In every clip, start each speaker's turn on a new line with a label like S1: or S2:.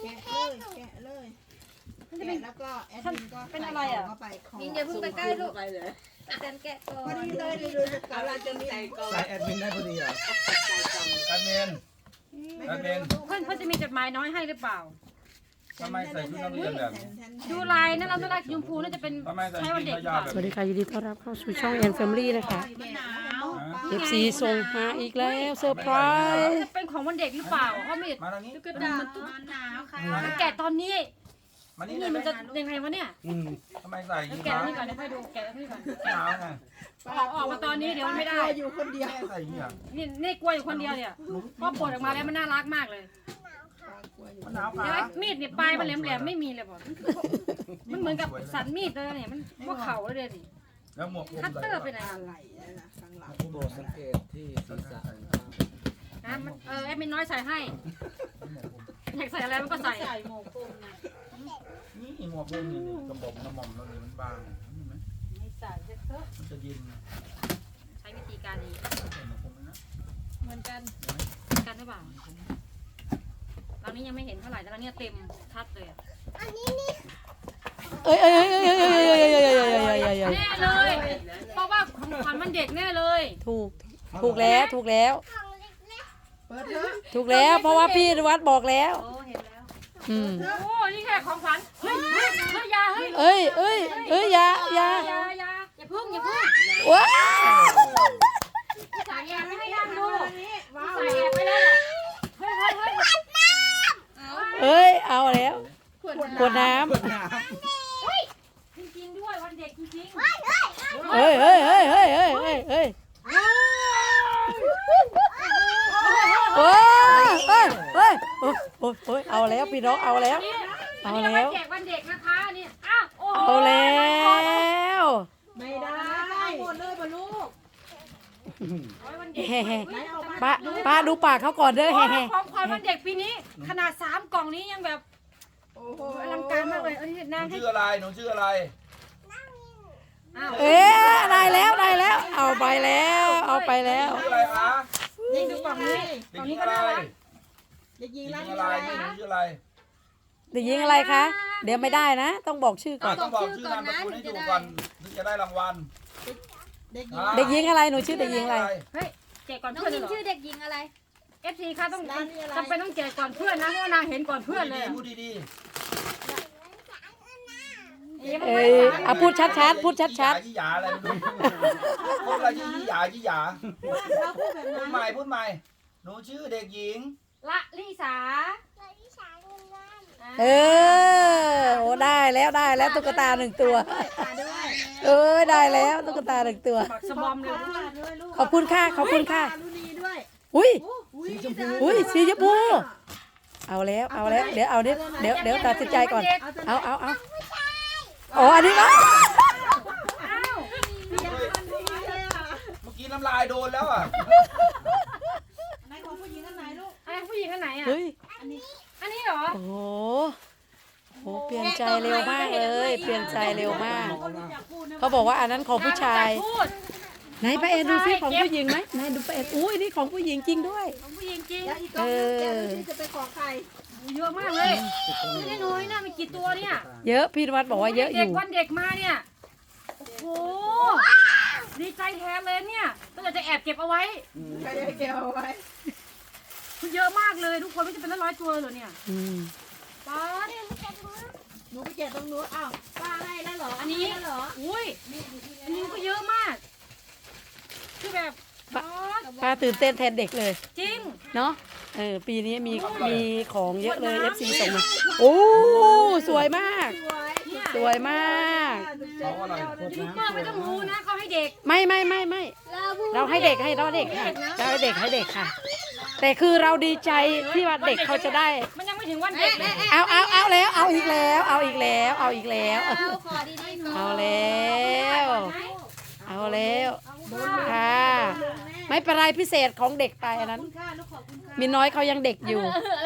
S1: แกะเลยแล้วก็แอดมินก็เป็นอะไรอ่ะ
S2: ยิงอย่าเพิ่งไปใกล้ลูกอาจารย์แกะก่อน
S1: พอดีเลยดูเราจะมี
S3: ใส่แอดมินได้พอดีอ่ะแอดมินแอดมิน
S4: เพื่อนจะมีจดหมายน้อยให้หรือเปล่า
S3: ทำไมใส่ชุดนักเรียนแบบนี้
S4: ดูลายนั่นเราจะได้ยมพูน่าจะเป็น
S3: ทำไมใส่
S4: ใช้
S3: ชุ
S4: วัน
S3: ด
S4: เด็ก
S3: ขายาวแบบ
S5: สวัสดี
S3: นี้
S5: ค่ะยินดีต้อนรับเข้าสู่ช่องแอนแฟมิลี่นะคะ FC ส่งมาอีกแล้วเซอร์ไพรส์
S4: จะเป็นของวันเด็กหรือเปล่าเพราะไม่
S3: มาทางนี้
S4: ตุ๊กตามันตุ๊ก
S2: หนาวค่ะ
S4: มันแกะตอนนี้
S3: มานี่
S4: นี่
S3: เล
S4: มัน
S3: ย
S4: จะยังไงวะเนี่ย
S3: ทำไมใส่อ
S4: แล้ว
S3: ย่าง
S4: แกะ
S3: นี้
S4: นี่ก่อนเดี๋ยวค่อยดูแกะนี่ก่อน
S3: หนาวไง
S4: ออกมาตอนนี้เดี๋ยวมันไม่ได้
S1: อยู่คนเดียว
S3: แม่ใส่อย่างนี้อ่ะ
S4: นี่กลัวอยู่คนเดียวเนี่ยพอปลดออกมาแล้วมันน่ารักมากเลย
S3: มันหนาว
S4: เดี๋ยว
S3: ขา
S4: มีดเนี่ยปลายมันแหลมๆไม่มีเลยบอกมันเหมือนกับสันมีดเลยเนี่ยมันพวกเขาเลยดิ
S3: แล้วหมวกผม
S4: คัต
S3: ใส่
S4: เตอร์ไปไหน
S1: อะไรนะข้างหลัง
S6: โปรดสังเกตที่ศีรษะ
S4: นะมันแอดมินน้อยใส่ให้อยากใส่อะไรมันก็ใส่
S2: ใส่หมวกคลุมนะ
S3: นี่หมวกผมนี่กระบอกน้ำมันแล้วนี่มันบางนี่ไหม
S2: ไม่ใส่จะเถอะ
S3: มันจะเย็น
S4: ใช้วิธีการนี้
S3: ใส่หมวกผมนะ
S2: เหมือนกัน
S4: กันหรือเปล่าเรานี้ยังไม่เห็นเท่าไหร่แต่เราเนี่ยเต็มชัดเลยอะ
S5: เอ้ยเอ้ยเอ้ยเอ้ยเอ้ยเอ้ยเอ้ยเอ้ยเอ้ยเอ้ยเอ้ยเอ้ย
S4: แน่เลย เพราะว่าของขวัญมันเด็กแน่เลย
S5: ถูกแล้วถูกแล้ว
S1: เปิดเถอะ
S5: ถูกแล้วเพราะว่าพี่วัดบอกแล้ว
S2: โอ้เห็นแล้ว
S5: อืม
S4: โอ้นี่แค่ของขวัญเฮ้ยเฮ้ยเฮ้ยยาเฮ้ย
S5: เอ้ยเอ้ยเอ้ยอย่าอย่า
S4: อย่าพึ่งอย่าพึ่ง
S5: ว้าว
S4: ใส่แอบไม่ให้ย่างดูใส่แอบไปเลยเฮ้ยเฮ้ยเฮ้ย
S5: เอ้ยเอาแล้วขวดน้
S4: จริงๆด้วยวันเด็กจริง
S5: ำเฮ้ยเฮ้ยเฮ้ยเฮ้ยเฮ้ยเฮ้ยเฮ้ยโอ้ยเฮ้ยเฮ้ยโอ้ยโอ้ยโอ้ยเอาแล้วพี่น้องเอาแล้ว
S4: ๆ
S5: เอา
S4: นี่
S5: แล้ว
S4: แจกวันเด็กนะคะนี่อ้าวโอ้โห
S5: เอาแล้ว
S1: ไม่ได้หมดเลยบรรลุ
S4: วันเด็ก
S5: แฮ่ๆป้าดูปากเขาก่อนเด้อแฮ่
S4: ของขวัญวันเด็กปีนี้ ขนาด3 กล่องนี้ยังแบบ
S1: โอ้โห
S4: อลังการมากเลยนี่
S3: ห
S4: นาง
S3: นู
S4: ให้
S3: ชื่ออะไรหนูชื่ออะไร
S4: อ้าว
S5: ๆเอ๊ะได้แล้วได้แล้ว เอาไปแล้วเอาไปแล้ว
S3: ชื่ออะไรคะ
S4: นี่ดูกล่องนี้ก
S3: เด็
S4: ล่
S3: ก
S4: อง
S3: หญิ
S4: นี้
S3: ง
S4: ก็
S3: อะไร
S4: น่ารัก
S1: เด็กหญิ
S3: เด็
S1: ง
S3: กห
S1: รั
S3: ญิ
S1: ก
S3: ง
S1: อะ
S3: อะไร
S1: ไร
S3: หนูชื่ออะไร
S5: เด็กหญิงอะไรคะเดี๋ยวไม่ได้นะ ต้องบอกชื่อก่อน
S3: ต้องบอกชื่อนามสกุลให้ถูกก่อนถึงจะได้รางวัล
S1: เด็กหญิง
S5: เด็กหญิงอะไรหนูชื่อเด็กหญิงอะไร
S4: เฮ้ยแจกก่อน
S2: น้อง
S4: เพื่อน
S2: ยิ
S4: เลยเหรอ
S2: งชื่อเด็กหญิงอะไร
S4: FC ค่ะต้องจำเป็นต้องแจกก่อนเพื่อนนะเพราะว่านางเห็นก่อนเพื่อนเลย
S3: พูดดี
S5: เอ้ยเอาพูดชัดๆพูดชัด
S3: ยี่หยาอะไรไม่รู้พูดอะไรยี่หยายี่หยา
S1: เราพูดแบบ
S3: พู
S1: นั้
S3: ด
S1: น
S3: ใหม่พูดใหม่หนูชื่อเด็กหญิง
S4: ละลิสา
S5: ๆเออโอ้ได้แล้วได้แล้วตุ๊กตา1 ตัว
S1: ด้วย
S5: เอ้ยได้แล้วตุ๊กตา1 ตัว
S4: บักสบอมเลย
S1: ด้วยลูก
S5: ขอบคุณค่ะขอบคุณค่ะ
S1: รุณีด้วย
S5: อุ้ย
S1: สีชมพู
S5: อุ้ยสีชมพูเอาแล้วเอาแล้วเดี๋ยวเอาเดี๋ยวตัดสินใจก่อนเอาอ๋ออันนี้ก็
S4: อ้าว
S3: เมื่อกี้น้ำลายโดนแล้วอ่ะ
S1: ไหนของผู้หญิงอันไหนลูก
S4: อะไรผู้หญิงอันไหนอ่ะ
S5: เฮ้ย
S4: อันนี้เหรอ
S5: โอ้โหโหเปลี่ยนใจเร็วมากเลยเปลี่ยนใจเร็วมาก เขาบอกว่าอันนั้นของผู้ชาย
S4: พูด
S5: ไหนป้าแอนดูซิของผู้หญิงไหมไหนดูป้าแอนอุ้ยนี่ของผู้หญิงจริงด้วย
S4: ของผู้หญิงจริง
S1: แล้วอีกกล่องนึงแกดูสิจะเป็นของใคร
S4: เยอะมากเลยไม่ได้น้อยนะมีกี่ตัวเนี่ย
S5: เยอะพี่นวัดบอกว่าเยอะอ
S4: เด็ก
S5: ยู่
S4: วันเด็กมาเนี่ยโอ้โหดีใจแทนเลยเนี่ยก็จะแอบเก็บเอาไว้
S1: ใครจะเก็บเอาไว้
S4: เยอะมากเลยทุกคนไม่จะเป็น100 ตัวเลยเหรอเนี่ย
S5: อืม
S4: ป๊าด
S1: หนูไปเก็บตรงนู้นอ้าวป้าให้แล้วเหรอ
S4: อันนี้
S1: แล้วเหรอ
S4: อุ้ยอันนี้ก็เยอะมากคือแบบป๊าด
S5: ป้าตื่นเต้นแทนเด็กเลย
S4: จริง
S5: เนาะปีนี้มีของเยอะเลย FC ส่งมาโอ้สวยมาก
S1: สวย
S4: เนี่ย
S5: สวยมาก
S3: เขาอะไร
S4: ยูทูบเบอร์ไม่ต้องรู้นะเขาให้เด็ก
S5: ไม่เราให้เด็กให้เราเด็กค่ะเราให้เด็กให้เด็กค่ะ แต่คือเราดีใจที่ว่าเด็กเขาจะได้
S4: มันยังไม่ถึงวันเด็กเลย
S5: เอาแล้วเอาอีกแล้วเอาอีกแล้วเอาอีกแล้ว
S2: เอาขอดีๆหนู
S5: เอาแล้วเอาแล้วค่ะไม่เป็นไรพิเศษของเด็กไปอันนั้น
S1: คุณค่าลูกขอบคุณค่ะ
S5: มีน้อยเขายังเด็กอยู่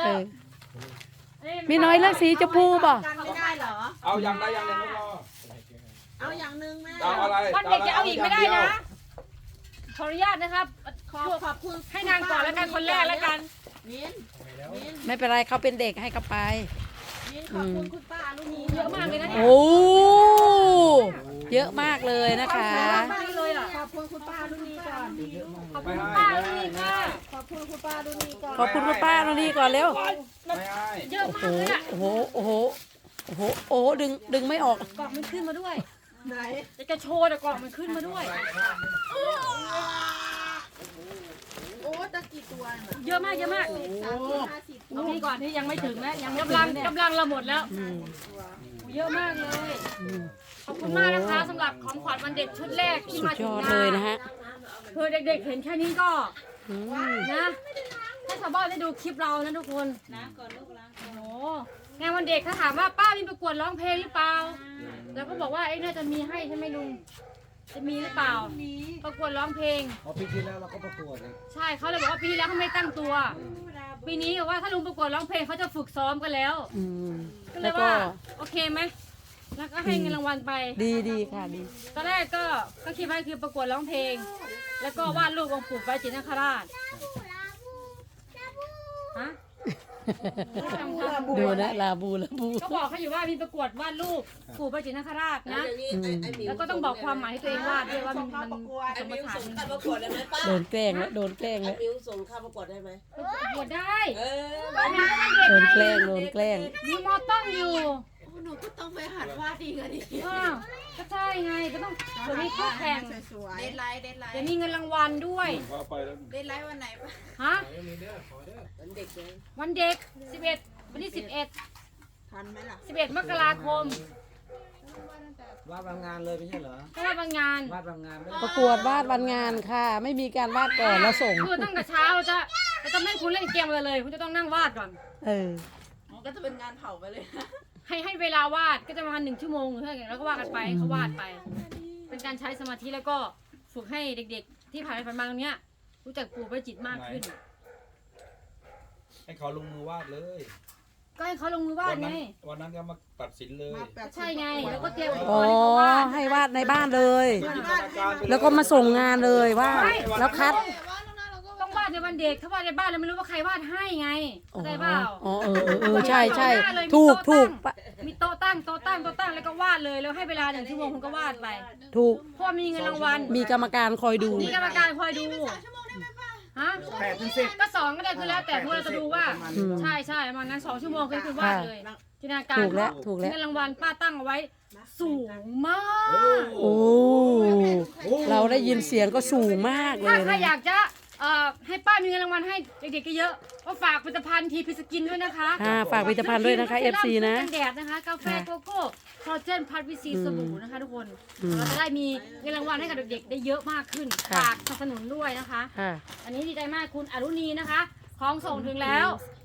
S5: มีน้อยเลือกสีชมพูป่ะ
S1: กันไม่ได้เหรอ
S3: เอาอย่างใดอย่างหนึ่งลูกรอ
S1: เอาอย่างหนึ่งแม่
S3: เอาอะไร
S4: วันเด็กจะเอาอีกไม่ได้นะขออนุญาตนะครับ
S1: ขอบคุณ
S4: ให้นางก่อนแล้วกันคนแรกแล้วกัน
S1: มิ้น
S5: ไม่เป็นไรเขาเป็นเด็กให้เขาไป
S1: ขอบคุณคุณป้าลูกนี้
S4: เยอะมากเลยนะเนี่ย
S5: โอ้เยอะมากเลยนะคะ
S4: มากเลยอ่ะ
S1: ขอบคุณคุณป้าลูกนี้ก่อน
S4: ขอบคุณป้าเลยนี่ค่ะ
S1: ขอบคุณคุณป้าลูกนี้ก่อน
S5: ขอบคุณคุณป้าตรงนี้ก่อนเร็ว
S3: ไม่ให้
S4: เยอะ
S5: โอ้
S4: มาก
S5: โห
S4: เลยอ่ะ
S5: โอ้โหโอ้โหโอ้โหโอ้โหดึงไม่ออก
S4: กล่องมันขึ้นมาด้วย
S1: ไหน
S4: จะโชว์แต่กล่องมันขึ้นมาด้วย
S1: โอ้ตะกี่ตัวน่ะ
S4: เยอะมากเยอะมาก
S1: 30
S4: เอาพี่ก่อนที่ยังไม่ถึงนะยังกำลังเราหมดแล้ว เยอะมากเลย ขอบคุณมากนะคะสำหรับของขวัญวันเด็กชุดแรกที่
S5: สุ
S4: มา
S5: ด
S4: ถึ
S5: ย
S4: ง
S5: อด
S4: งา
S5: เลย
S4: น
S5: นะฮะ
S4: คือเด็กๆเห็นแค่นี้ก็
S5: อืม
S4: นะให้ชาวบ้านได้ดูคลิปเรานะทุกคน
S2: ล้างก่อนลูกล้างก่อน
S4: โอ้โหงานวันเด็กถ้าถามว่าป้ามีประกวดร้องเพลงหรือเปล่าแล้วก็บอกว่าน่าจะมีให้ใช่ไหมลุงจะมีหรือเปล่า ประกวดร้องเพลง
S6: พอปีที่แล้วเราก็ประกวดเลย
S4: ใช่เขาเลยบอกว่าปีที่แล้วเขาไม่ตั้งตัว ปีนี้บอกว่าถ้าลุงประกวดร้องเพลงเขาจะฝึกซ้อมกันแล้ว
S5: อืม
S4: ก็เล
S5: แล้
S4: ยว
S5: ก็
S4: ว่าโอเคไหมแล้วก็ให้เงินรางวัลไป
S5: ดีค่ะดี
S4: ตอนแรกก็คิดว่าคือประกวดร้องเพลง แล้วก็วาดรูปองค์ปู่ไว้จิตรนาคราชฮะ
S5: ดูนะลาบู
S4: ก็บอกเขาอยู่ว่ามีประกวดวาดรูปปู่ไว้จิตรนาคราชนะ แล้วก็ต้องบอกความหมายให้ตัวเองวาดด้วยว่ามันสมฐาน
S7: ประกวดได้ไหมป้า
S5: โดนแกล้งแล้วโดนแกล้งแล้ว
S7: มิวส่งข้าประกวดได้ไหม
S4: ประกวดได้
S7: เออ
S4: บ้านนี้ก็มันเด็ก
S5: โดน
S4: ไง
S5: แกล้งโดนแกล้ง
S4: มีมอต้องอยู่
S1: หนูก็ต้องไปหัดวาดอีกอ่ะดิ
S4: อ้าวก็ใช่ไงก็ต้องเดี๋ยวมีคู่แข่ง
S1: สวยๆเดทไลท์เดทไลท์
S4: เดี๋ยวมีเงินรางวัลด้วย
S3: พอไปแล้ว
S1: เดทไลท์วันไหนปะ
S4: ฮะ
S7: มันเด็กเลย
S4: วันเด็ก 11 วันที่
S1: ทันไหมล่ะ
S4: 11 มกราคม
S6: วาดบางงานเลยไม่ใช่เหรอ
S4: ก็ว่าบางงาน
S6: วาดบางงานด้วย
S5: ประกวดวาดวันงานค่ะ ไม่มีการวาดก่อนแล้วส่ง
S4: คือตั้งแต่เช้าเราจะไม่ให้คุณเล่นเกมอะไรเลย คุณจะต้องนั่งวาดก่อน
S5: เออ
S1: ก็จะเป็นงานเผาไปเลย
S4: ให้เวลาวาดก็จะประมาณ1 ชั่วโมงหรือเท่าไหร่แล้วก็วาดกันไปให้เขาวาดไป เป็นการใช้สมาธิแล้วก็ฝึกให้เด็กๆ ที่ผ่านไปผ่านมาตรงเนี้ยรู้จักปู่ประจิตมากขึ้น
S3: ให้เขาลงมือวาดเลย
S4: ก็ให้เขาลงมือวาดไง
S3: วันนั้นก็มาตัดสินเลย
S4: ใช่ไง แล้วก็เตรียมอุปก
S5: อ๋อ
S4: รณ์ให้เขาวาด
S5: ให้วาดในบ้านเลย
S3: จินตนาการไปเย
S5: แล้วก็มาส่งงานเลยว่าแล้วคัด
S4: ต้องวาดในวันเด็ก ถ้าวาดในบ้านเราไม่รู้ว่าใครวาดให้ไง
S5: อ๋อ
S4: เข้าใจเปล่า
S5: อ๋อเออใช่ถูกปะ
S4: มีโต๊ะตั้งแล้วก็วาดเลยแล้วให้เวลา1 ชั่วโมงคุณก็วาดไป
S5: ถูก
S4: เพราะว่ามีเงินรางวัล
S5: มีกรรมการคอยดู
S4: มีกรรมการคอยดูฮะ
S3: 8 ถึง 10
S4: ก็2ก็ได้คือแล้วแต่พวกเราจะดูว่า
S5: อืม
S4: ใช่ประมาณนั้น2 ชั่วโมงคือคุณวาดเลยจินตนาการ
S5: ถูกแล้วถูกแล้ว
S4: เงินรางวัลป้าตั้งเอาไว้สูงมาก
S5: โอ้เราได้ยินเสียงก็สูงมากเล
S4: ถ้าย ใคร
S5: นะ
S4: อยากจะให้ป้ามีเงินรางวัลให้เด็กๆเยอะๆก็ฝากผลิตภัณฑ์ทีพีสกินด้วยนะคะ
S5: ฝากผลิตภัณฑ์ด้วยนะคะ FC นะ
S4: กันแดดนะคะกาแฟโกโก้คอลลาเจนพัดวิซีสบู่นะคะทุกคน
S5: อืม
S4: เราจะได้มีเงินรางวัลให้กับเด็กๆได้เยอะมากขึ้น
S5: ค่ะ
S4: ฝากสนับสนุนด้วยนะคะ
S5: ค่ะ
S4: อันนี้ดีใจมากคุณอรุณีนะคะ ของส่งถึงแล้ว